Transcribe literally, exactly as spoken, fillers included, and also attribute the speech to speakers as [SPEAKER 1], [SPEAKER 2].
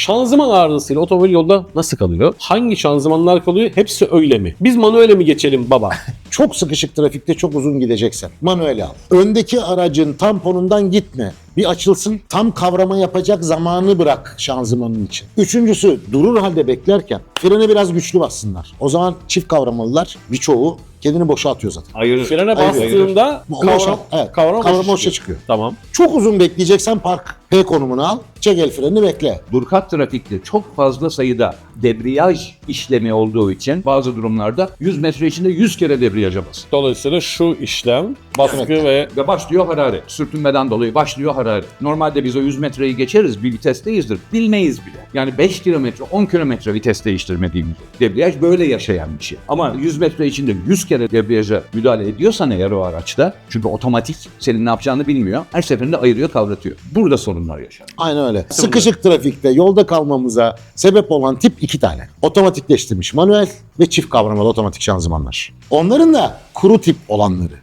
[SPEAKER 1] Şanzıman arızasıyla otomobil yolda nasıl kalıyor? Hangi şanzımanlar kalıyor? Hepsi öyle mi? Biz manuele mi geçelim baba?
[SPEAKER 2] Çok sıkışık trafikte çok uzun gideceksen manuel al. Öndeki aracın tamponundan gitme. Bir açılsın, tam kavrama yapacak zamanı bırak şanzımanın için. Üçüncüsü, durur halde beklerken frene biraz güçlü bassınlar. O zaman çift kavramalılar birçoğu kendini boşa atıyor zaten.
[SPEAKER 3] Ayırır.
[SPEAKER 1] Frene
[SPEAKER 2] Ayırır.
[SPEAKER 1] bastığında
[SPEAKER 2] Boşa,
[SPEAKER 1] kavram,
[SPEAKER 2] evet,
[SPEAKER 1] kavram,
[SPEAKER 2] kavram
[SPEAKER 1] boşa
[SPEAKER 2] boşa
[SPEAKER 1] çıkıyor.
[SPEAKER 2] çıkıyor.
[SPEAKER 1] Tamam.
[SPEAKER 2] Çok uzun bekleyeceksen park P konumunu al, çek el frenini bekle.
[SPEAKER 3] Durkat trafikte çok fazla sayıda debriyaj işlemi olduğu için bazı durumlarda yüz metre içinde yüz kere debriyaja bas.
[SPEAKER 1] Dolayısıyla şu işlem baskı
[SPEAKER 2] Evet.
[SPEAKER 1] ve
[SPEAKER 3] Ve başlıyor hararet. Sürtünmeden dolayı başlıyor hararet. Normalde biz o yüz metreyi geçeriz, bir vitesteyizdir. Bilmeyiz bile. Yani beş kilometre, on kilometre vites değiştirmediğimiz. Debriyaj böyle yaşayan bir şey. Ama yüz metre içinde yüz kere debriyaja müdahale ediyorsan eğer o araçta, çünkü otomatik senin ne yapacağını bilmiyor. Her seferinde ayırıyor, kavratıyor. Burada sorunlar yaşanıyor.
[SPEAKER 2] Aynen öyle. Sıkışık trafikte yolda kalmamıza sebep olan tip iki tane. Otomatikleştirilmiş manuel ve çift kavramalı otomatik şanzımanlar. Onların da kuru tip olanları.